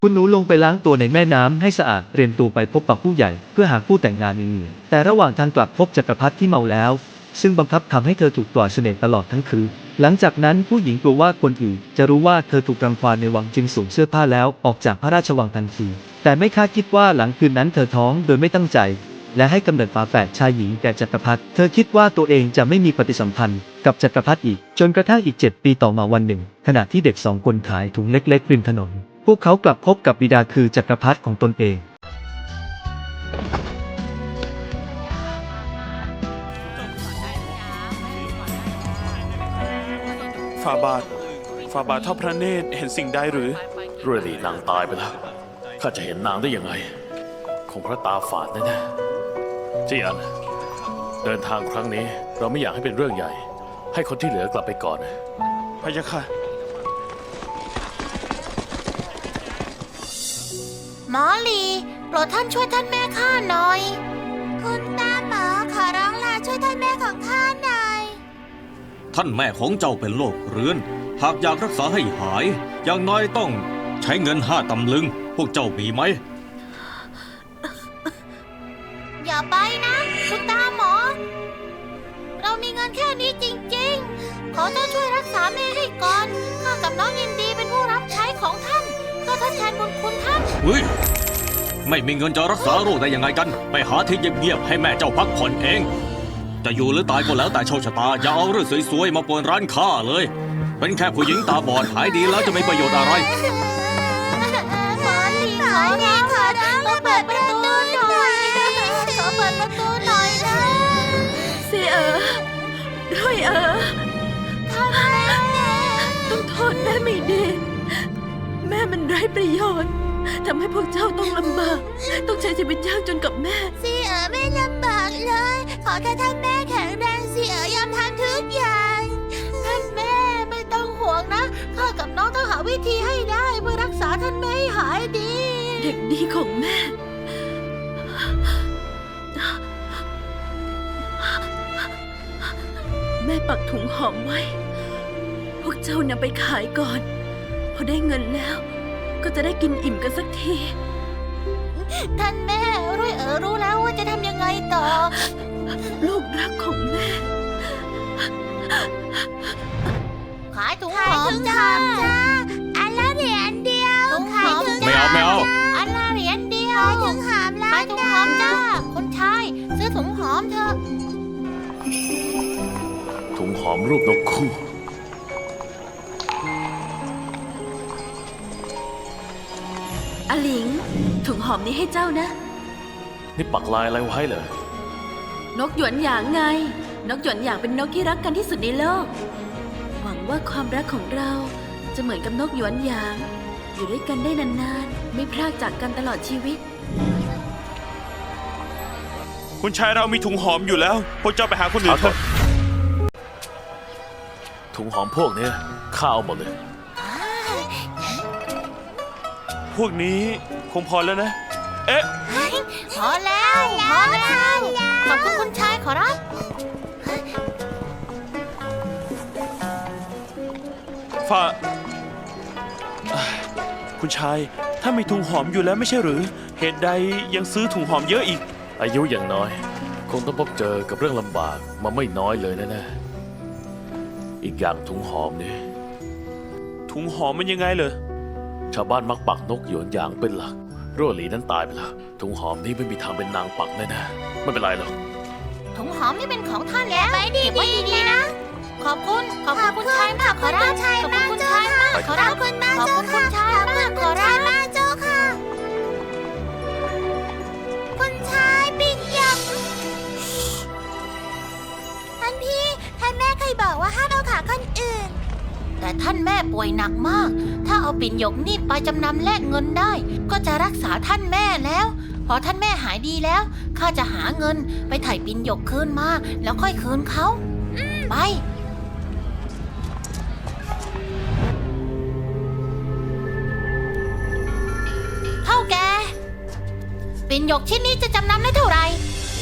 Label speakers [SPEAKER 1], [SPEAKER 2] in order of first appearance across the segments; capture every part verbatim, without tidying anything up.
[SPEAKER 1] คุณหนูลงไปล้างตัวในแม่น้ำให้สะอาดเตรียมตัวไปพบกับผู้ใหญ่เพื่อหาคู่แต่งงานอื่นๆแต่ระหว่างทางกลับพบจักรพรรดิที่เมาแล้วซึ่งบังคับทำให้เธอถูกปล่อยเสน่ห์ตลอดทั้งคืนหลังจากนั้นผู้หญิงกลัวว่าคนอื่นจะรู้ว่าเธอถูกรังควานในวังจึงสวมเสื้อผ้าแล้วออกจากพระราชวังทันทีแต่ไม่คาดคิดว่าหลังคืนนั้นเธอท้องโดยไม่ตั้งใจและให้กำเนิดฝาแฝดชายหญิงแก่จักรพรรดิเธอคิดว่าตัวเองจะไม่มีปฏิสัมพันธ์กับจักรพรรดิอีกจนกระทั่งอีกเจ็ดปีต่อมาวันหนึ่งขณะที่เด็กสองคนขายถุงเล็กๆริมถนนพวกเขากลับพบกับบิดาคือจักรพรรดิของตนเอง
[SPEAKER 2] ฝ่าบาทฝ่าบาททอดพระเนตรเห็นสิ่งใดหรือ
[SPEAKER 3] เรื่อยหลีนางตายไปแล้วข้าจะเห็นนางได้ยังไงคงพระตาฝาดแน่ๆจีอันเดินทางครั้งนี้เราไม่อยากให้เป็นเรื่องใหญ่ ให้คนที่เหลือกลับไปก่อน
[SPEAKER 2] พะยะค่ะ
[SPEAKER 4] หมอลีโปรดท่านช่วยท่านแม่ข้าหน่อยคุณตาหมอขอร้องลาช่วยท่านแม่ของข้าหน่อย
[SPEAKER 5] ท่านแม่ของเจ้าเป็นโรคเรื้อนหากอยากรักษาให้หายอย่างน้อยต้องใช้เงินห้าตำลึงพวกเจ้ามีไหม
[SPEAKER 4] อย่าไปนะคุณตาหมอเรามีเงินแค่นี้จริงๆขอท่านช่วยรักษาแม่ให้ก่อนข้ากับน้องยินดีเป็นผู้รับใช้ของท่านก็ทดแทนบุญคุณท่าน
[SPEAKER 5] เฮ้ยไม่มีเงินจะรักษาโรคได้ยังไงกันไปหาที่เงียบๆให้แม่เจ้าพักผ่อนเองจะอยู่หรือตายก็แล้วแต่โชคชะตาอย่าเอาเรื่องสวยๆมาป่วนร้านข้าเลยเป็นแค่ผู้หญิงตาบอดหายดีแล้วจะไม่ประโยชน์อะไร
[SPEAKER 4] หมอลีขอร้องขอร้องมาเปิดประตูหน่อยขอเปิดประตูหน่อยนะ
[SPEAKER 6] เสียเอ๋อร้อยเอ๋อ
[SPEAKER 4] ท่านแม่
[SPEAKER 6] ต้องโทษแม่ไม่ดีแม่มันไร้ประโยชน์ทำให้พวกเจ้าต้องลำบากต้องใช้ชีวิตยากจนกับแม่
[SPEAKER 4] ซีเอ๋อไม่ลำบากเลยขอแค่ท่านแม่แข็งแรงซีเอ๋อยอมทำทุกอย่างท่านแม่ไม่ต้องห่วงนะข้ากับน้องต้องหาวิธีให้ได้เพื่อรักษาท่านแม่ให้หายดี
[SPEAKER 6] เด็กดีของแม่แม่ปักถุงหอมไว้พวกเจ้านำไปขายก่อนพอได้เงินแล้วก็จะได้กินอิ่มกันสักที
[SPEAKER 4] ท่านแม่รุ่ยเอ๋อรู้แล้วว่าจะทำยังไงต่อ
[SPEAKER 6] ลูกรักของแม่
[SPEAKER 4] ขายถุงหอมจ้าอันละเหรียญเดียว
[SPEAKER 5] ขายถุงไม่เอาไม่เอา
[SPEAKER 4] อันละเหรียญเดียวขายถุงหอมขายถุงหอมจ้าคนชายซื้อถุงหอมเถอะ
[SPEAKER 3] ถุงหอมรูปนกคู่
[SPEAKER 6] อาหลิงถุงหอมนี้ให้เจ้านะ
[SPEAKER 3] นี่ปักลายอะไรไว้เหรอ
[SPEAKER 6] นกหยวนหยางไงนกหยวนหยางเป็นนกที่รักกันที่สุดในโลกหวังว่าความรักของเราจะเหมือนกับนกหยวนหยางอยู่ด้วยกันได้นานๆไม่พรากจากกันตลอดชีวิต
[SPEAKER 2] คุณชายเรามีถุงหอมอยู่แล้วพวกเจ้าไปหาคนอื่นเถอะ
[SPEAKER 3] ถุงหอมพวกนี้ข้าเอาหมดเลย
[SPEAKER 2] พวกนี้คงพอแล้วนะเอ๊ะ
[SPEAKER 4] พอแล้วพอแล้วขอบคุณคุณชายขอรับ
[SPEAKER 2] ฝ่าคุณชายถ้ามีถุงหอมอยู่แล้วไม่ใช่หรือเหตุใดยังซื้อถุงหอมเยอะอีก
[SPEAKER 3] อายุอย่างน้อยคงต้องพบเจอกับเรื่องลำบากมาไม่น้อยเลยแน่ๆอีกอย่างถุงหอมนี่
[SPEAKER 2] ถุงหอมมันยังไงเหรอ
[SPEAKER 3] ชาวบ้านมักปักนกหยวนหยางเป็นหลักรั่วหลีนั้นตายไปแล้วถุงหอมนี้ไม่มีทางเป็นนางปักแน่ๆไม่เป็นไรหรอก
[SPEAKER 4] ถุงหอมนี่เป็นของท่านแล้วเก็บไว้ดีๆนะขอบคุณขอบคุณคุณชายมากขอรับขอบคุณคุณชายมากขอรับขอบคุณมากขอบคุณคุณชายมากขอรับมากเจ้าค่ะคุณชายปิ่นหยกท่านพี่ท่านแม่เคยบอกว่าห้ามเอาขาคนอื่นแต่ท่านแม่ป่วยหนักมากถ้าเอาปิ่นหยกนี่ไปจำนำแลกเงินได้ก็จะรักษาท่านแม่แล้วพอท่านแม่หายดีแล้วข้าจะหาเงินไปไถ่ปิ่นหยกคืนมาแล้วค่อยคืนเขาไปเท่าแกปิ่นหยกชิ้นนี้จะจำนำได้เท่าไหร่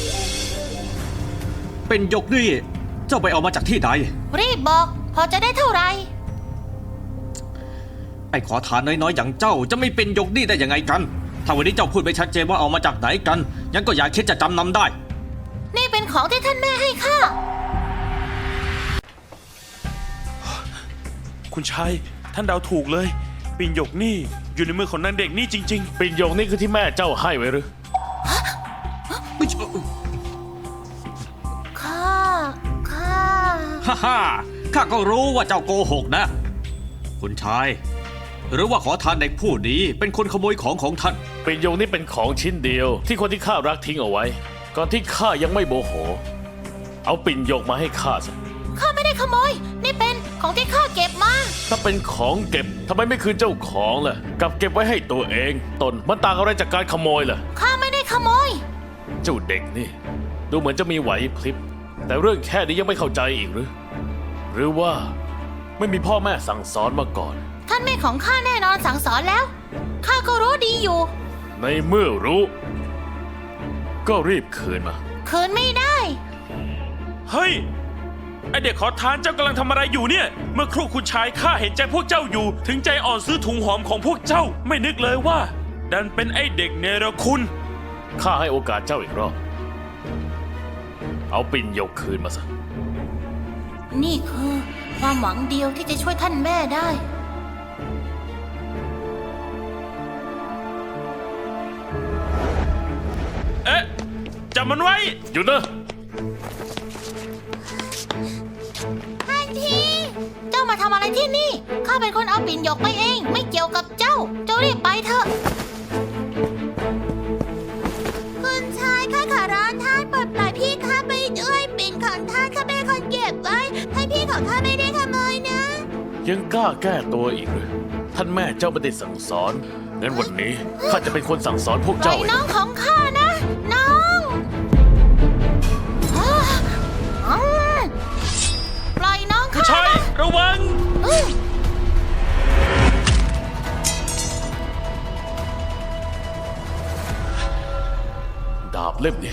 [SPEAKER 5] เป็นหยกนี่เจ้าไปเอามาจากที่ใด
[SPEAKER 4] รีบบอกพอจะได้เท่าไหร่
[SPEAKER 5] ไอ้ขอทานน้อยๆอย่างเจ้าจะไม่เป็นยกหนี้ได้ยังไงกัน ถ้าวันนี้เจ้าพูดไม่ชัดเจนว่าเอามาจากไหนกันยังก็อย่าคิดจะจำนำได้
[SPEAKER 4] นี่เป็นของที่ท่านแม่ให้ข้า
[SPEAKER 2] คุณชายท่านเดาถูกเลย ปิ่นหยกนี่อยู่ในมือของนางเด็กนี่จริง
[SPEAKER 3] ปิ่นหยกนี่คือที่แม่เจ้าให้ไว้หรือ
[SPEAKER 5] ไม่ใช่
[SPEAKER 4] ข้า ข้า
[SPEAKER 5] ฮ่าฮ่าข้าก็รู้ว่าเจ้าโกหกนะ คุณชาย หรือว่าขอทานเด็กผู้นี้เป็นคนขโมยของของท่าน
[SPEAKER 3] ปิ่นหยกนี่เป็นของชิ้นเดียว ที่คนที่ข้ารักทิ้งเอาไว้ ก่อนที่ข้ายังไม่โมโห เอาปิ่นหยกมาให้ข้าซะ
[SPEAKER 4] ข้าไม่ได้ขโมย นี่เป็นของที่ข้าเก็บมา
[SPEAKER 3] ถ้าเป็นของเก็บทำไมไม่คืนเจ้าของล่ะกลับเก็บไว้ให้ตัวเองตนมันต่างอะไรจากการขโมยล่ะ
[SPEAKER 4] ข้าไม่ได้ขโมย
[SPEAKER 3] เจ้าเด็กนี่ ดูเหมือนจะมีไหวพลิบ แต่เรื่องแค่นี้ยังไม่เข้าใจอีกหรือ หรือว่าไม่มีพ่อแม่สั่งสอนมาก่อน
[SPEAKER 4] ท่านแม่ของข้าแน่นอนสั่งสอนแล้ว ข้าก็รู้ดีอยู่
[SPEAKER 3] ในเมื่อรู้ ก็รีบคืนมา
[SPEAKER 4] คืนไม่ได้
[SPEAKER 2] ๆ เฮ้ย ไอเด็กขอทานเจ้ากำลังทำอะไรอยู่เนี่ย เมื่อครู่คุณชายข้าเห็นใจพวกเจ้าอยู่ ถึงใจอ่อนซื้อถุงหอมของพวกเจ้า ไม่นึกเลยว่า ดันเป็นไอเด็กเนรคุณ
[SPEAKER 3] ข้าให้โอกาสเจ้าอีกรอบ เอาปิ่นหยกคืนมาซะ
[SPEAKER 4] นี่คือความหวังเดียวที่จะช่วยท่านแม่ได้
[SPEAKER 2] เอ๊ะจับมันไว้
[SPEAKER 3] หยุดนะ
[SPEAKER 4] ท่านทีเจ้ามาทำอะไรที่นี่ ข้าเป็นคนเอาปิ่นหยกไปเอง ไม่เกี่ยวกับเจ้า เจ้ารีบไปเถอะ คุณชายข้าขอร้องท่านปลดปล่อยพี่ข้าไปด้วยปิ่นของท่านข้าเป็นคนเก็บไว้ให้พี่ของข้าไม่ได้ขโมยนะ
[SPEAKER 3] ยังกล้าแก้ตัวอีกหรือท่านแม่เจ้าไม่ได้สั่งสอน งั้นวันนี้ข้าจะเป็นคนสั่งสอนพวก
[SPEAKER 4] ปล่อ
[SPEAKER 3] เจ้าย เอง
[SPEAKER 4] น้องของข้านะ น้องอ้าอืมปล่อยน้อง
[SPEAKER 2] คุณ
[SPEAKER 4] ข้า
[SPEAKER 2] ชาย
[SPEAKER 4] นะ
[SPEAKER 2] ระวัง
[SPEAKER 4] อืม
[SPEAKER 3] ดาบเล่มนี้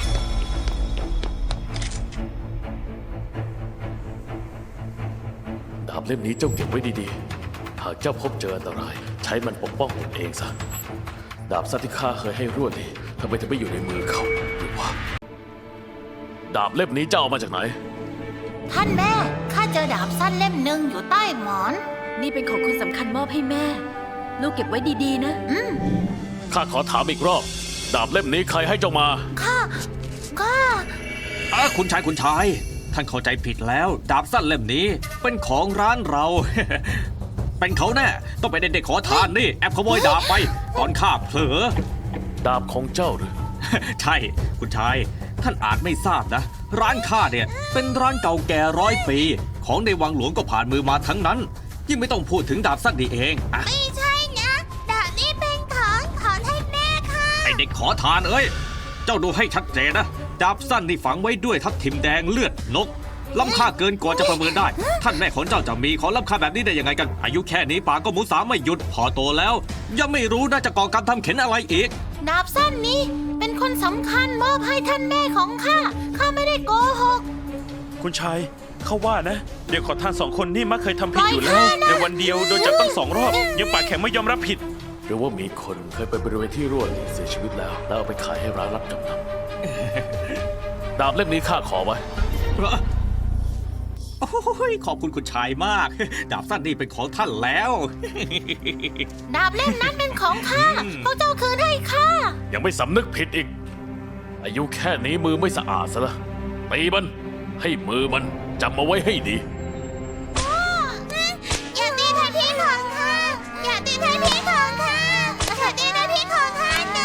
[SPEAKER 3] ดาบเล่มนี้เจ้าเก็บไว้ดีๆ หากเจ้าพบเจออันตราย ใช้มันปกป้องตนเองซะ ดาบสั้นที่ข้าเคยให้รวดนี่ทำไมถึงไม่อยู่ในมือเขาหรือว่า ดาบเล่มนี้เจ้าเอามาจากไหน
[SPEAKER 4] ท่านแม่ ข้าเจอดาบสั้นเล่มหนึ่งอยู่ใต้หมอน
[SPEAKER 6] นี่เป็นของคนสำคัญมอบให้แม่ ลูกเก็บไว้ดีๆนะ
[SPEAKER 4] อืม
[SPEAKER 3] ข้าขอถามอีกรอบ ดาบเล่มนี้ใครให้เจ้ามา
[SPEAKER 4] ข้า ข้า
[SPEAKER 5] อ่ะคุณชายคุณชาย ท่านเข้าใจผิดแล้ว ดาบสั้นเล่มนี้เป็นของร้านเรา เป็นเขาแน่ต้องเป็นเด็กขอทานนี่แอบขโมยดาบไปตอนข้าเผลอ
[SPEAKER 3] ดาบของเจ้าหรือ
[SPEAKER 5] ใช่คุณชาย ท่านอาจไม่ทราบนะ ร้านข้าเนี่ยเป็นร้านเก่าแก่ร้อยปี ของในวังหลวงก็ผ่านมือมาทั้งนั้น ยิ่งไม่ต้องพูดถึงดาบสั้นนี่เองอะ
[SPEAKER 4] ไม่ใช่นะ ดาบนี้เป็นของของท่านแม่ค่ะ
[SPEAKER 5] ไอเด็กขอทานเอ้ย เจ้าดูให้ชัดเจนนะ ดาบสั้นนี่ฝังไว้ด้วยทับทิมแดงเลือดนก ล้ำค่าเกินกว่าจะประเมินได้ ท่านแม่ของเจ้าจะมีของล้ำค่าแบบนี้ได้ยังไงกัน อายุแค่นี้ปากก็หมูสามไม่หยุดพอโตแล้ว ยังไม่รู้น่าจะก่อกรรมทำเข็นอะไรอีก
[SPEAKER 4] ดาบสั้นนี้เป็นคนสำคัญมอบให้ท่านแม่ของข้า ข้าไม่ได้โกหก
[SPEAKER 2] คุณชายเขาว่านะ เด็กขอทานสองคนนี่มักเคยทำผิดอยู่แล้ว
[SPEAKER 4] ปล่อยข้านะ
[SPEAKER 2] ในวันเดียวโดนจับตั้งสองรอบ ยังปากแข็งไม่ยอมรับผิด
[SPEAKER 3] หรือว่ามีคนเคยไปบริเวณที่รั่วนี่เสียชีวิตแล้ว แล้วเอาไปขายให้ร้านรับจำนำ ดาบเล่มนี้ข้าขอไว้
[SPEAKER 5] โอ้ยขอบคุณคุณชายมาก ดาบสั้นนี่เป็นของท่านแล้ว
[SPEAKER 4] ดาบเล่มนั้นเป็นของข้า
[SPEAKER 5] อืม
[SPEAKER 4] พวกเจ้าคืนให้ข้า
[SPEAKER 3] ยังไม่สำนึกผิดอีก อายุแค่นี้มือไม่สะอาดซะละตีมันให้มือมันจำมาไว้ให้ดี
[SPEAKER 4] อย่าตีท่านพี่ของข้า อย่าตีท่านพี่ของข้าอย่าตีท่านพี่ของข้านะ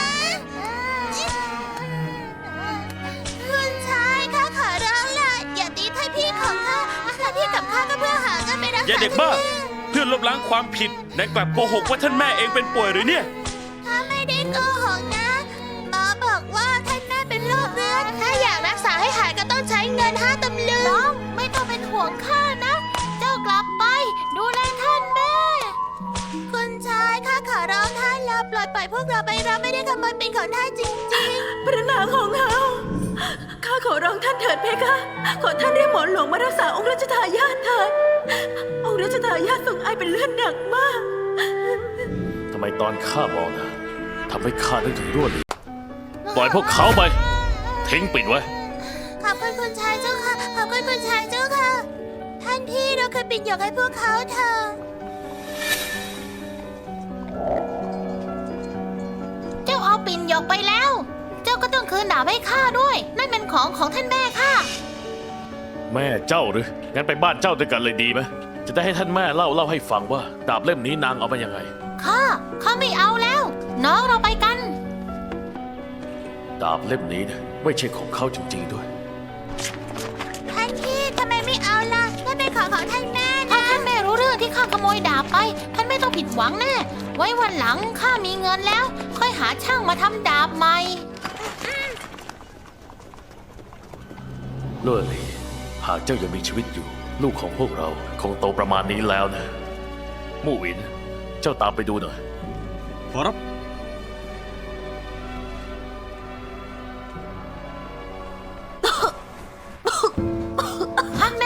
[SPEAKER 4] คุณชายข้าขอร้องล่ะอย่าตีท่านพี่ของข้าท่านพี่กับข้าก็เพื่อหาเงินไปรักษา
[SPEAKER 2] อย่าเด็กบ้า เพื่อลบล้างความผิดนายกลับโกหกว่าท่านแม่เองเป็นป่วยหรือเนี่ย
[SPEAKER 4] ข้าไม่ได้โกหกนะหมอบอกว่าท่านแม่เป็นโรคเรื้อนถ้าอยากรักษาให้หายก็ต้องใช้เงินห้าตำลึงน้องไม่ต้องเป็นห่วงข้านะ เจ้ากลับไป ดูแลท่านแม่ คุณชายข้าขอร้องท่านแล้วปล่อยปล่อยพวกเราไปเราไม่ได้ขโมยเป็นของท่านจริง
[SPEAKER 6] พระนางของเราข้าขอร้องท่านเถิดเพคะ ขอท่านเรียกหมอหลวงมารักษาองค์รัชทายาทเถิด องค์รัชทายาททรงไอเป็นเลือดหนักมาก
[SPEAKER 3] ทำไมตอนข้ามองนะทำให้ข้านึกถึงรั่วหลีปล่อยพวกเขาไป ทิ้งปิดไว้
[SPEAKER 4] ขอบคุณคุณชายเจ้าค่ะ ขอบคุณคุณชายเจ้าค่ะ ท่านพี่เราเคยปิดหยกให้พวกเขาเถอะเจ้าเอาปิ่นหยกไปแล้ว เจ้าก็ต้องคืนดาบให้ข้าด้วย นั่นเป็นของของท่านแม่ข้า
[SPEAKER 3] แม่เจ้าหรือ งั้นไปบ้านเจ้าด้วยกันเลยดีไหมจะได้ให้ท่านแม่เล่าเล่าให้ฟังว่า ดาบเล่มนี้นางเอามายังไง
[SPEAKER 4] ข้า ข้าไม่เอาแล้ว น้องเราไปกัน
[SPEAKER 3] ดาบเล่มนี้นะไม่ใช่ของเขาจริงๆด้วย
[SPEAKER 4] ท่านพี่ทำไมไม่เอาล่ะนั่นเป็นของของท่านแม่นะถ้าท่านแม่รู้เรื่องที่ข้าขโมยดาบไป ท่านไม่ต้องผิดหวังแน่ ไว้วันหลังข้ามีเงินแล้ว ค่อยหาช่างมาทำดาบใหม่
[SPEAKER 3] ลั่วหลีหากเจ้ายังมีชีวิตอยู่ ลูกของพวกเราคงโตประมาณนี้แล้วนะ มู่หวิน เจ้าตามไปดูหน่อย
[SPEAKER 5] ขอรับ
[SPEAKER 4] ท่านแม่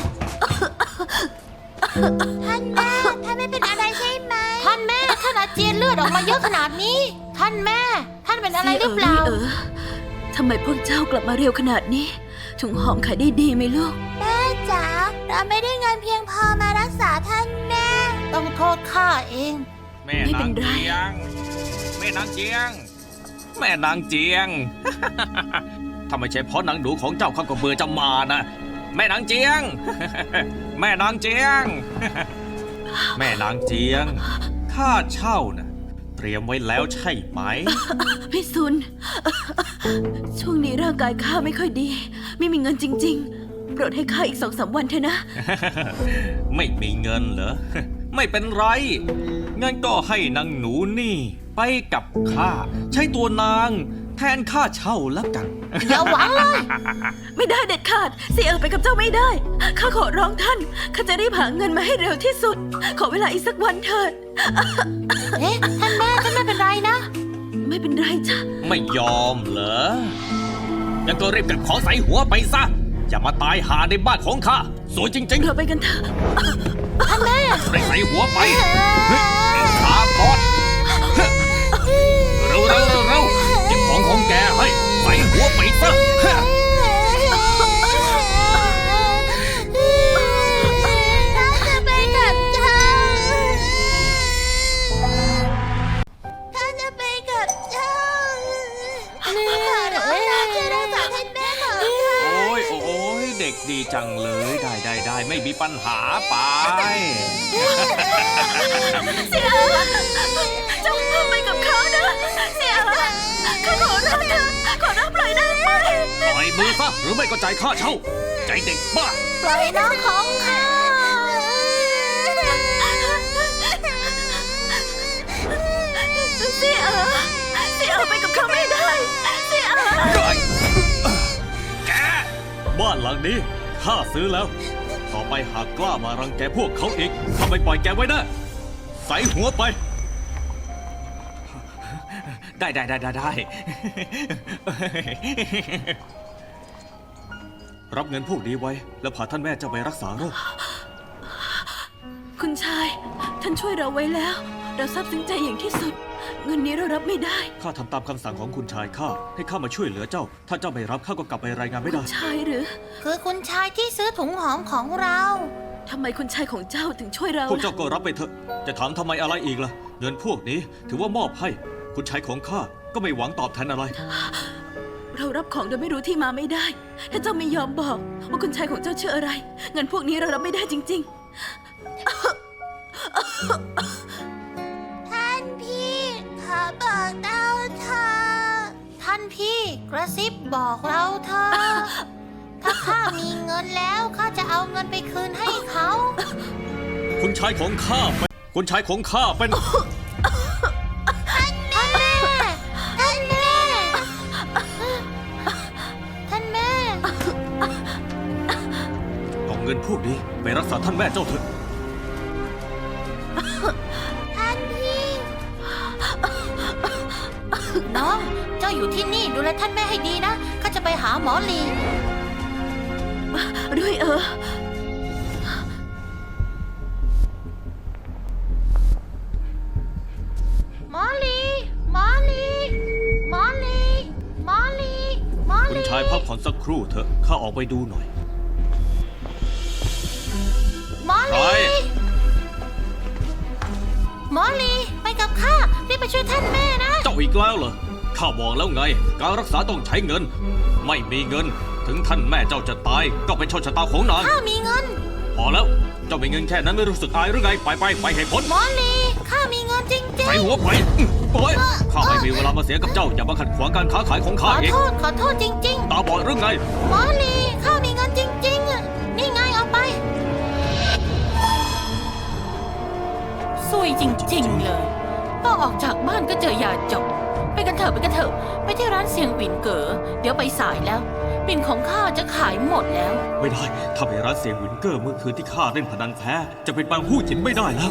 [SPEAKER 4] ท่านแม่ ท่านไม่เป็นอะไรใช่ไหม ท่านแม่ ท่านอาเจียนเลือดออกมาเยอะขนาดนี้ ท่านแม่ ท่านเป็นอะไรหรือเปล่า
[SPEAKER 6] เออทำไมพวกเจ้ากลับมาเร็วขนาดนี้ถุงหอมขายได้ดีไหมลูก
[SPEAKER 4] แม่จ๋า เราไม่ได้เงินเพียงพอมารักษาท่านแม่ ต้องโทษข้าเอง
[SPEAKER 5] แม่
[SPEAKER 6] ไม่
[SPEAKER 5] นา
[SPEAKER 6] เป็
[SPEAKER 5] ง
[SPEAKER 6] นไร
[SPEAKER 5] เจียง แม่นางเจียง แม่นางเจียง ถ้าไม่ใช่เพราะนางหนูของเจ้าข้าก็เบื่อจะมานะ แม่นางเจียง แม่นางเจียง แม่นางเจียง ค่าเช่านะเตรียมไว้แล้วใช่ไหม
[SPEAKER 6] พี่ซุน ช่วงนี้ร่างกายข้าไม่ค่อยดี ไม่มีเงินจริง ๆ โปรดให้ข้าอีกสองสามวันเถอะนะ
[SPEAKER 5] ไม่มีเงินเหรอ ไม่เป็นไร งั้นก็ให้นางหนูนี่ ไปกับข้า ใช้ตัวนาง แทนค่าเช่าแล้วกัน
[SPEAKER 4] อย่าหวังเลย
[SPEAKER 6] ไม่ได้เด็ดขาดเสียเออไปกับเจ้าไม่ได้ ข้าขอร้องท่าน ข้าจะรีบหาเงินมาให้เร็วที่สุด ขอเวลาอีกสักวันเถิด
[SPEAKER 4] เอ๊ะ ท่านแม่ ท่านไม่เป็นไรนะ
[SPEAKER 6] ไม่เป็นไรจ้ะ
[SPEAKER 5] ไม่ยอมเหรอ งั้นก็รีบเก็บของใส่หัวไปซะ อย่ามาตายหาในบ้านของข้า สวยจริง
[SPEAKER 6] เราไปกันเถอะ
[SPEAKER 4] ท่านแม่
[SPEAKER 5] ๆรีบใส่หัวไปเฮ้ยขาบอดเร็วเร็วเร็วเร็วเก็บของของแกให้ใส่หัวไปซะ
[SPEAKER 4] เราจะไปกับเจ้าท่านจะไปกับเจ้าขอร้องนะช่วยรักษาท่านแม่ของข้า
[SPEAKER 5] โอ้ยโอ้ยเด็กดีจังเลย ได้ได้ได้ไม่มีปัญหาไป
[SPEAKER 6] เสียเออเจ้าไปกับเขานะ เสียเออข้าขอร้องเถอะขอร้องปล่อยได้ไหม
[SPEAKER 5] ปล่อยมือซะหรือไม่ก็จ่ายค่าเช่า ใจเด็กบ้า
[SPEAKER 4] ปล่อยน้องของข้า
[SPEAKER 6] เสียเออเสียเออไปกับเขาไม่ได้ เสียเออ
[SPEAKER 5] แก บ้านหลังนี้ข้าซื้อแล้ว ต่อไปหากกล้ามารังแกพวกเขาอีกข้าไม่ปล่อยแกไว้นะใส่หัวไป ได้ได้ได้ได้ได้ รับเงินพวกนี้ไว้ แล้วพาท่านแม่เจ้าไปรักษาโรค
[SPEAKER 6] คุณชาย ท่านช่วยเราไว้แล้ว เราซาบซึ้งใจอย่างที่สุด เงินนี้เรารับไม่ได้
[SPEAKER 5] ข้าทำตามคำสั่งของคุณชายข้าให้ข้ามาช่วยเหลือเจ้า ถ้าเจ้าไม่รับข้าก็กลับไปรายงานไม่
[SPEAKER 6] คุ
[SPEAKER 5] ได้
[SPEAKER 6] ณชายหรือ
[SPEAKER 4] คือคุณชายที่ซื้อถุงหอมของเรา
[SPEAKER 6] ทำไมคุณชายของเจ้าถึงช่วยเรา
[SPEAKER 5] พวกเจ้า
[SPEAKER 6] ล่ะ
[SPEAKER 5] ก็รับไปเถอะ จะถามทำไมอะไรอีกล่ะ เงินพวกนี้ถือว่ามอบให้ คุณชายของข้าก็ไม่หวังตอบแทนอะไร
[SPEAKER 6] เรารับของโดยไม่รู้ที่มาไม่ได้ ถ้าเจ้าไม่ยอมบอกว่าคุณชายของเจ้าชื่ออะไร เงินพวกนี้เรารับไม่ได้จริง
[SPEAKER 4] ท่านพี่ขอบอกเราเถอะท่านพี่กระซิบบอกเราเถอะถ้าข้ามีเงินแล้วข้าจะเอาเงินไปคืนให้เขา
[SPEAKER 5] คุณชายของข้าเป็นคุณชายของข้าเป็น
[SPEAKER 4] ท่านแม่ ท่านแม่ ท่านแม่
[SPEAKER 5] เอาเงินพวกนี้ไปรักษาท่านแม่เจ้าเถอะ
[SPEAKER 4] ท่านพี่ น้อง เจ้าอยู่ที่นี่ดูแลท่านแม่ให้ดีนะข้าจะไปหาหมอหลี
[SPEAKER 6] ๆ ด้วยเออ
[SPEAKER 5] พักผ่อนสักครู่เถอะข้าออกไปดูหน่อย
[SPEAKER 4] หมอ
[SPEAKER 5] ใคร
[SPEAKER 4] ลีหมอลีไปกับข้ารีบไปช่วยท่านแม่นะ
[SPEAKER 5] เจ้าอีกแล้วเหรอข้าบอกแล้วไง การรักษาต้องใช้เงิน ไม่มีเงิน ถึงท่านแม่เจ้าจะตาย ก็เป็นโชคชะตาของนาง
[SPEAKER 4] ข้ามีเงิน
[SPEAKER 5] พอแล้ว เจ้ามีเงินแค่นั้นไม่รู้สึกอายหรือไง ไปไปไปให้พ้น
[SPEAKER 4] หมอลีข้ามีเงินจริง
[SPEAKER 5] ใส่หัวไปอื้อโอ้ยข้าไม่มีเวลามาเสียกับเจ้า อย่ามาขัดขวางการค้าขายของ
[SPEAKER 4] ๆ ข
[SPEAKER 5] ข้า
[SPEAKER 4] อ
[SPEAKER 5] เอง
[SPEAKER 4] โทษขอโทษจริง
[SPEAKER 5] ตาบอดหรือไง
[SPEAKER 4] ๆ หมอลีข้ามีเงินจริงๆอะนี่ไงเอาไปซวยจริง ๆ เลยพอออกจากบ้านก็เจอยาจบ ไปกันเถอะไปกันเถอะไปที่ร้านเสียงปิ่นเก๋อเดี๋ยวไปสายแล้ว ปิ่นของข้าจะขายหมดแล้ว
[SPEAKER 5] ไม่ได้ ถ้าไปร้านเสียงวินเกอร์เมื่อคืนที่ข้าเล่นพนันแพ้ จะเป็นบางผู้หญินไม่ได้แล้ว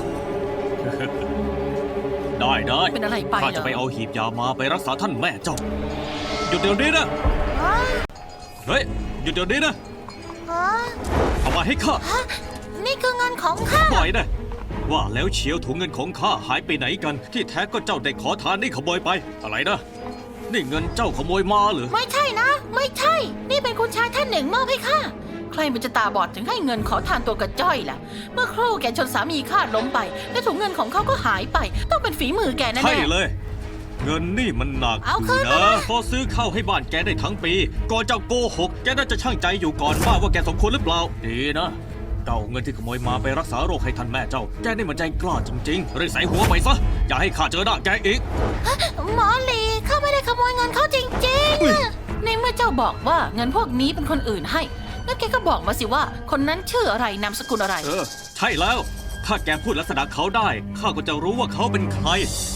[SPEAKER 5] ได้ได้
[SPEAKER 4] เป็นอะไรไปเหรอ
[SPEAKER 5] ข้าจะไปเอาหีบยามาไปรักษาท่านแม่เจ้า หยุดเดี๋ยวนี้นะ เฮ้ย หยุดเดี๋ยวนี้นะ
[SPEAKER 4] อ๋อ
[SPEAKER 5] เอามาให้ข้า
[SPEAKER 4] ฮะนี่คือเงินของข้า
[SPEAKER 5] ปล่อยนะว่าแล้วเชียวถุงเงินของข้าหายไปไหนกัน ที่แท้ก็เจ้าได้ขอทานนี่ขโมยไป อะไรนะ นี่เงินเจ้าขโมยมาเหรอ
[SPEAKER 4] ไม่ใช่นะ ไม่ใช่ นี่เป็นคุณชายท่านหนึ่งมอบให้ข้า ใครมันจะตาบอดถึงให้เงินขอทานตัวกระจ้อยล่ะ เมื่อครู่แกชนสามีข้าล้มไป และถุงเงินของเขาก็หายไป ต้องเป็นฝีมือแกแน่ๆ
[SPEAKER 5] ใช่เลย เงินนี่มันหนัก
[SPEAKER 4] เอาคืน
[SPEAKER 5] นะ
[SPEAKER 4] มานะ
[SPEAKER 5] พอซื้อข้าวให้บ้านแกได้ทั้งปี ก่อนเจ้าโกหก แกน่าจะช่างใจอยู่ก่อนว่าว่าแกสมควรหรือเปล่า ดีนะเจ้าเงินที่ขโมยมาไปรักษาโรคให้ท่านแม่เจ้า แกนี่มันใจกล้าจริงๆรีบใส่หัวไปซะ อย่าให้ข้าเจอหน้าแกอีก
[SPEAKER 4] หมอลีข้าไม่ได้ขโมยเงินเขาจริง
[SPEAKER 5] อุ๊ย
[SPEAKER 4] ๆ ในเมื่อเจ้าบอกว่าเงินพวกนี้เป็นคนอื่นให้ งั้นแกก็บอกมาสิว่า คนนั้นชื่ออะไรนามสกุลอะไร
[SPEAKER 5] เออ ใช่แล้ว ถ้าแกพูดลักษณะเขาได้ ข้าก็จะรู้ว่าเขาเป็นใคร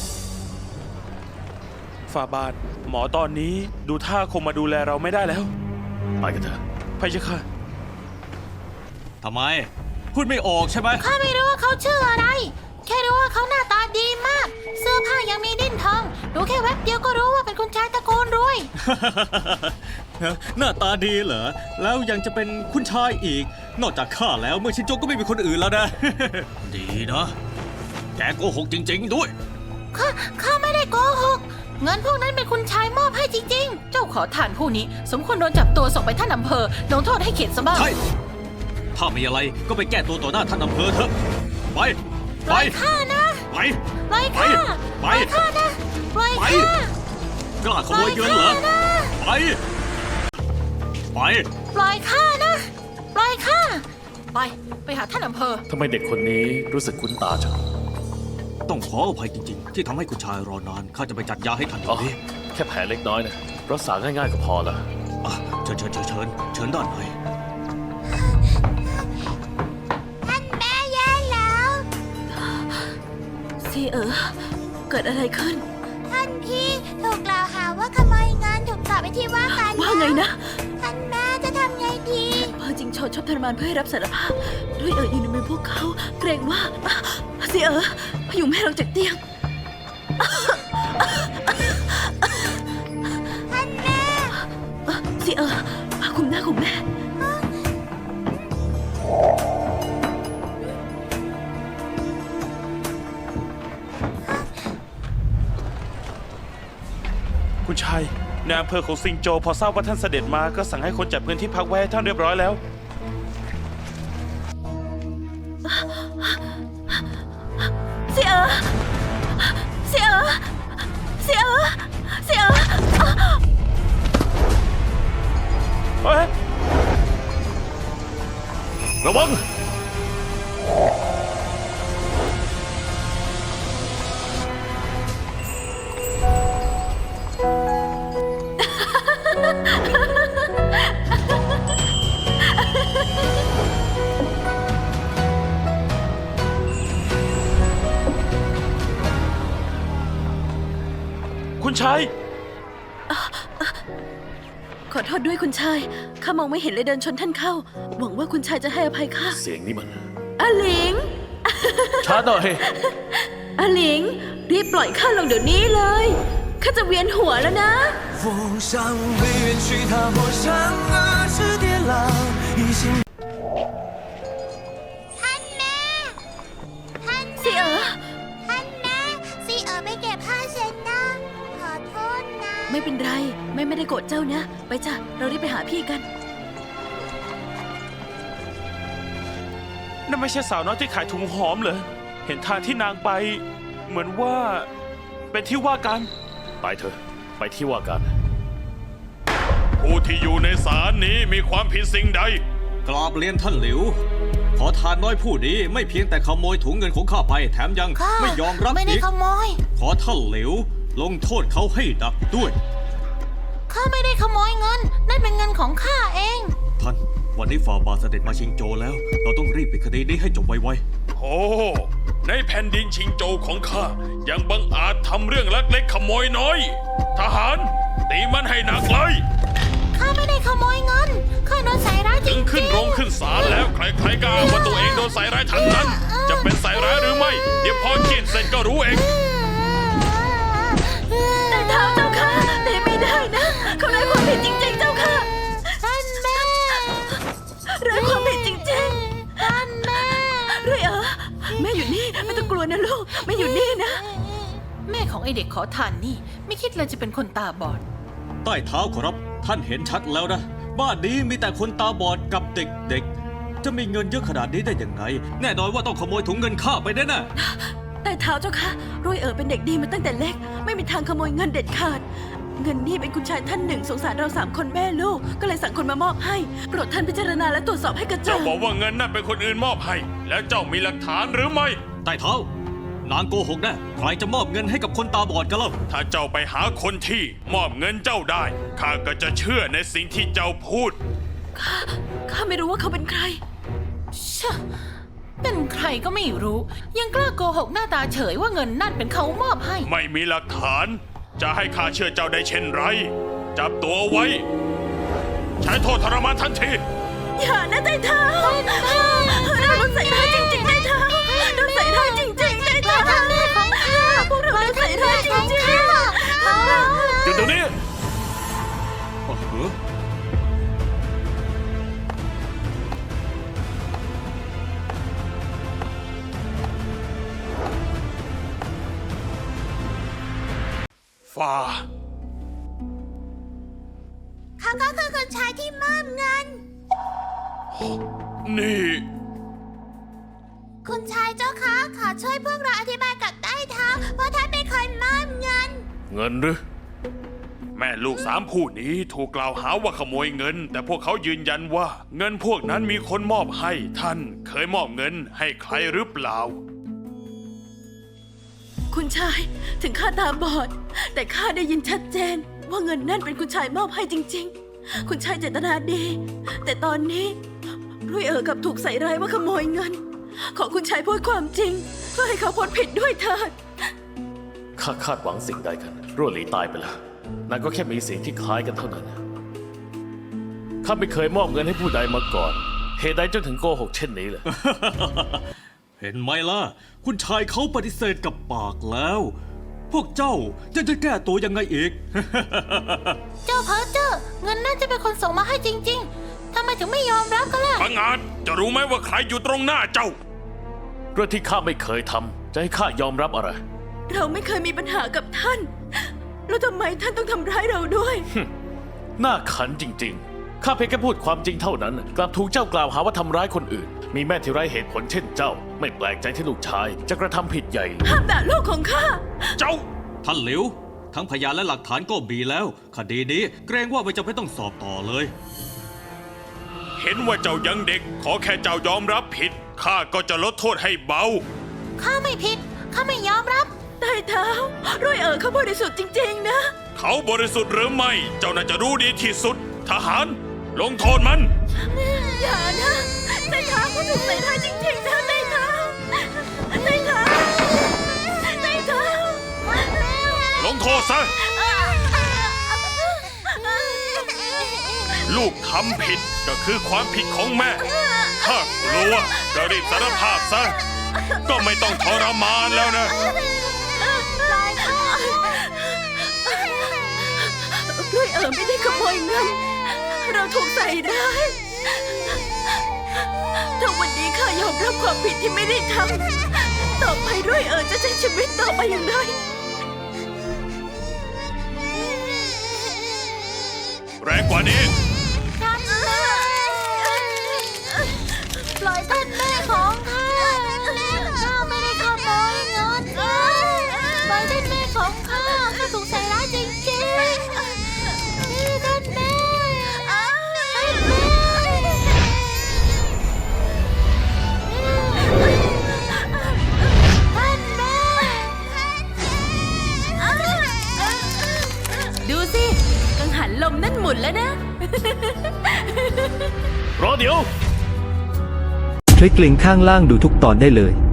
[SPEAKER 2] ฝ่าบาท หมอตอนนี้ดูท่าคงมาดูแลเราไม่ได้แล้ว
[SPEAKER 3] ไปกันเถอะ
[SPEAKER 2] พะยะค่ะ
[SPEAKER 5] ทำไม พูดไม่ออกใช่ไหม
[SPEAKER 4] ข้าไม่รู้ว่าเขาชื่ออะไร แค่รู้ว่าเขาหน้าตาดีมาก เสื้อผ้ายังมีดิ้นทอง ดูแค่แวบเดียวก็รู้ว่าเป็นคุณชายตระโกนรวย
[SPEAKER 5] หน้าตาดีเหรอ แล้วยังจะเป็นคุณชายอีก นอกจากข้าแล้วเมื่อชินโจก็ไม่มีคนอื่นแล้วนะ ดีนะ แกโกหกจริง ๆ ด้วย
[SPEAKER 4] ข้า ข้าไม่ได้โกหก เงินพวกนั้นเป็นคุณชายมอบให้จริง ๆ เจ้าขอทานผู้นี้ สมควรโดนจับตัวส่งไปท่านอำเภอลงโทษให้เข็ดซะบ้าง
[SPEAKER 5] ใช่ ถ้ามีอะไรก็ไปแก้ตัวต่อหน้าท่านอำเภอเถอะ ไป
[SPEAKER 4] ปล่อยข้านะ
[SPEAKER 5] ไป
[SPEAKER 4] ปล่อยข้า
[SPEAKER 5] ไป
[SPEAKER 4] ปล่อยข้านะปล่อย
[SPEAKER 5] ไป
[SPEAKER 4] ข้าก
[SPEAKER 5] ล้าขโมยเงินเหรอ ไป ไป
[SPEAKER 4] ปล่อยข้านะ ปล่อยข้า ไป ไปหาท่านอำเภอ
[SPEAKER 3] ทำไมเด็กคนนี้รู้สึกคุ้นตาจัง
[SPEAKER 5] ต้องขออภัยจริง ๆ ที่ทำให้คุณชายรอนาน ข้าจะไปจัดยาให้ท่าน
[SPEAKER 3] อ๋อ
[SPEAKER 5] นี้
[SPEAKER 3] แค่แผลเล็กน้อยนะรักษาง่ายๆก็พอละ
[SPEAKER 5] อ่ะเชิญเชิญเชิญเชิญเชิญด้านใน
[SPEAKER 4] ท่านแม่แย่แล้ว
[SPEAKER 6] ซีเอ๋อเกิดอะไรขึ้น
[SPEAKER 4] ท่านพี่ถูกกล่าวหาว่าขโมยเงินถูกจับไปที่ว่าการ
[SPEAKER 6] ว่าไงนะ
[SPEAKER 4] ท่านแม่จะทำไงดี
[SPEAKER 6] เพอจริงโชดชอบทรมานเพื่อให้รับสารภาพ ด้วยเอ๋ออยู่ในมือพวกเขา เกรงว่าอ่ะซีเอ๋อพยุงแม่ลงจากเตียง
[SPEAKER 4] ท่านแม่
[SPEAKER 6] อ่ะซีเอ๋อมาคุมหน้าคุมแม่
[SPEAKER 2] คุณชายในอำเภอของซิงโจพอทราบว่าท่านเสด็จมาก็สั่งให้คนจัดพื้นที่พักไว้ให้ท่านเรียบร้อยแล้ว
[SPEAKER 6] เสียเสียเสียเสีย
[SPEAKER 2] เฮ้ย
[SPEAKER 3] ระวัง
[SPEAKER 2] คุณชาย
[SPEAKER 6] ขอโทษด้วยคุณชาย ข้ามองไม่เห็นเลยเดินชนท่านเข้า หวังว่าคุณชายจะให้อภัยข้า
[SPEAKER 3] เสียงนี้มัน
[SPEAKER 6] อาหลิง
[SPEAKER 3] ช้าหน่อย
[SPEAKER 6] อาหลิง รีบปล่อยข้าลงเดี๋ยวนี้เลย ข้าจะเวียนหัวแล้วนะ
[SPEAKER 7] 我想被远去，踏破山河之跌浪，一心。
[SPEAKER 4] ท่านแม่ ท่าน
[SPEAKER 6] เสีย
[SPEAKER 4] ท่านแม่ซีเอ๋อไปเก็บผ้าเช็ดหน้า ขอโทษนะ
[SPEAKER 6] ไม่เป็นไรแม่ไม่ได้โกรธเจ้านะ ไปจ้ะเรารีบไปหาพี่กัน
[SPEAKER 2] นั่นไม่ใช่สาวน้อยที่ขายถุงหอมเหรอ เห็นทางที่นางไป เหมือนว่า เป็นที่ว่ากัน
[SPEAKER 3] ไปเถอะ ไปที่ว่าการ
[SPEAKER 2] ผู้ที่อยู่ในศาลนี้มีความผิดสิ่งใด
[SPEAKER 5] กราบเรียนท่านหลิว ขอทานน้อยผู้นี้ไม่เพียงแต่ขโมยถุงเงินของข้าไปแถมยัง
[SPEAKER 4] ข้า
[SPEAKER 5] ไม่ยอมรับ
[SPEAKER 4] ไม่ได้
[SPEAKER 5] อีก
[SPEAKER 4] ขโมย
[SPEAKER 5] ขอท่านหลิว ลงโทษเขาให้หนักด้วย
[SPEAKER 4] ข้าไม่ได้ขโมยเงิน นั่นเป็นเงินของข้าเอง
[SPEAKER 5] ท่าน วันนี้ฝ่าบาทเสด็จมาชิงโจวแล้ว เราต้องรีบปิดคดีนี้ให้จบไว
[SPEAKER 2] โอ้ ในแผ่นดินชิงโจวของข้า ยังบังอาจทำเรื่องลักเล็กขโมยน้อย ทหาร ตีมันให้หนักเลย
[SPEAKER 4] ข้าไม่ได้ขโมยเงิน ข้าโดนใส่ร้ายจริ
[SPEAKER 2] ถึ
[SPEAKER 4] ง
[SPEAKER 2] งขึ้นโรงขึ้นศาลแล้วใครๆก็อ้างว่าตัวเองโดนใส่ร้ายทั้งนั้น จะเป็นใส่ร้ายหรือไม่ เดี๋ยวพอเขียนเสร็จก็รู้เอง
[SPEAKER 6] แต่เท้าเจ้าค่ะแต่ไม่ได้นะ เขาไร้ความผิดจริงๆเจ้าค่ะ
[SPEAKER 4] ท่านแม่
[SPEAKER 6] ไร้ความผิดจริง
[SPEAKER 4] ท่านแม่
[SPEAKER 6] ๆเรื่อยเออแม่อยู่นี่ไม่ต้องกลัวนะลูกแม่อยู่นี่นะ
[SPEAKER 4] แม่ของไอเด็กขอทานนี่ ไม่คิดเลยจะเป็นคนตาบอด
[SPEAKER 5] ๆ ใต้เท้าขอรับ ท่านเห็นชัดแล้วนะ บ้านนี้มีแต่คนตาบอดกับเด็กๆ จะมีเงินเยอะขนาดนี้ได้ยังไง แน่นอนว่าต้องขโมยถุงเงินข้าไปแน่ๆ
[SPEAKER 6] แต่เท้าเจ้าค่ะรุ่ยเอ๋อเป็นเด็กดีมาตั้งแต่เล็ก ไม่มีทางขโมยเงินเด็ดขาด เงินนี่เป็นคุณชายท่านหนึ่งสงสารเราสามคนแม่ลูก ก็เลยสั่งคนมามอบให้โปรดท่านพิจารณาและตรวจสอบให้กระจ่า
[SPEAKER 2] เจ้าง บอกว่าเงินนั่นเป็นคนอื่นมอบให้ แล้วเจ้ามีหลักฐานหรือไม่
[SPEAKER 5] ใต้เท้า นางโกหกแน่ใครจะมอบเงินให้กับคนตาบอดกันเล่า
[SPEAKER 2] ถ้าเจ้าไปหาคนที่มอบเงินเจ้าได้ ข้าก็จะเชื่อในสิ่งที่เจ้าพูด
[SPEAKER 6] ข้าไม่รู้ว่าเขาเป็นใคร
[SPEAKER 4] ชะ เป็นใครก็ไม่รู้ ยังกล้าโกหกหน้าตาเฉยว่าเงินนั่นเป็นเขามอบให้
[SPEAKER 2] ไม่มีหลักฐาน จะให้ข้าเชื่อเจ้าได้เช่นไร จับตัวไว้ ใช้โทษทรมานทันที
[SPEAKER 6] อย่านะใต้เท้าเราโดนใส่ร้ายจริงๆใต้เท้าโดนใส่ร้ายจริงๆใต้เท้าพวกเราโดนใส่ร้ายจริง
[SPEAKER 2] หยุดเดี๋ยวนี้
[SPEAKER 5] โอ้โห
[SPEAKER 2] ฟ้า
[SPEAKER 4] เขาก็คือคนชายที่มอบเงิน
[SPEAKER 2] นี่
[SPEAKER 4] คุณชายเจ้าคะขอช่วยพวกเราอธิบายกับใต้เท้าว่าท่านเป็นคนมอบเงิน
[SPEAKER 2] เงินหรือ แม่ลูกสามผู้นี้ถูกกล่าวหาว่าขโมยเงิน แต่พวกเขายืนยันว่า เงินพวกนั้นมีคนมอบให้ท่านเคยมอบเงินให้ใครหรือเปล่า
[SPEAKER 6] ๆคุณชายถึงข้าตาบอด แต่ข้าได้ยินชัดเจน ว่าเงินนั่นเป็นคุณชายมอบให้จริง ๆ คุณชายเจตนาดี แต่ตอนนี้รุ่ยเอ๋อกับถูกใส่ร้ายว่าขโมยเงิน ขอคุณชายพูดความจริง เพื่อให้เขาพ้นผิดด้วยเถิด
[SPEAKER 3] ข้าคาดหวังสิ่งใดกันรั่วหลีตายไปแล้วนางก็แค่มีสิ่งที่คล้ายกันเท่านั้น ข้าไม่เคยมอบเงินให้ผู้ใดมาก่อน เหตุใดจนถึงโกหกเช่นนี้เลย
[SPEAKER 5] เห็นไหมล่ะ คุณชายเขาปฏิเสธกับปากแล้ว พวกเจ้าจะจะแก้ตัวยังไงอีก
[SPEAKER 4] เจ้าเพ้อเจ้อเงินน่าจะเป็นคนส่งมาให้จริง ๆทำไมถึงไม่ยอมรับกันล่ะ
[SPEAKER 2] พังอาจจะรู้ไหมว่าใครอยู่ตรงหน้าเจ้า
[SPEAKER 3] เรื่องที่ข้าไม่เคยทำจะให้ข้ายอมรับอะไร
[SPEAKER 6] เราไม่เคยมีปัญหากับท่าน แล้วทำไมท่านต้องทำร้ายเราด้วย
[SPEAKER 3] หน้าขันจริงๆ ข้าเพียงแค่พูดความจริงเท่านั้น กลับถูกเจ้ากล่าวหาว่าทำร้ายคนอื่น มีแม่ที่ไร้เหตุผลเช่นเจ้า ไม่แปลกใจที่ลูกชายจะกระทำผิดใหญ่
[SPEAKER 6] ห้ามด่าลูกของข้า
[SPEAKER 2] เจ้า
[SPEAKER 5] ท่านหลิว ทั้งพยานและหลักฐานก็มีแล้ว คดีนี้เกรงว่าไม่จำเป็นต้องสอบต่อเลย
[SPEAKER 2] เห็นว่าเจ้ายังเด็ก ขอแค่เจ้ายอมรับผิด ข้าก็จะลดโทษให้เบา
[SPEAKER 4] ข้าไม่ผิด ข้าไม่ยอมรับ
[SPEAKER 6] ใต้เท้ารุ่ยเอ๋อเขาบริสุทธิ์จริงๆนะ
[SPEAKER 2] เขาบริสุทธิ์หรือไม่ เจ้าน่าจะรู้ดีที่สุด ทหาร ลงโทษมัน
[SPEAKER 6] อย่านะใต้เท้าเขาถูกใส่ร้ายจริงๆนะใต้เท้าใต้เท้าใต้เท้า
[SPEAKER 2] ลงโทษซะ ลูกทำผิดก็คือความผิดของแม่ ถ้ากลัวก็รีบสารภาพซะ ก็ไม่ต้องทรมานแล้วนะ
[SPEAKER 6] รุ่ยเอ๋อไม่ได้ขโมยเงิน เราถูกใส่ร้ายถ้าวันนี้ข้ายอมรับความผิดที่ไม่ได้ทำ ต่อไปรุ่ยเอ๋อจะใช้ชีวิตต่อไปอย่างไร
[SPEAKER 2] กว่านี้
[SPEAKER 4] ท่านแม่ปล่อยท่านแม่ของข้าข้าไม่ได้ขโมยเงินปล่อยท่านแม่ของข้าข้าถูกใส่ร้ายจริงๆนี่ท่านแม่ท่านแม่ท่านแม่
[SPEAKER 6] ดูสิ กังหันลมนั่นหมุนแล้วนะ
[SPEAKER 3] รอเดี๋ยว
[SPEAKER 1] คลิกลิงก์ข้างล่างดูทุกตอนได้เลย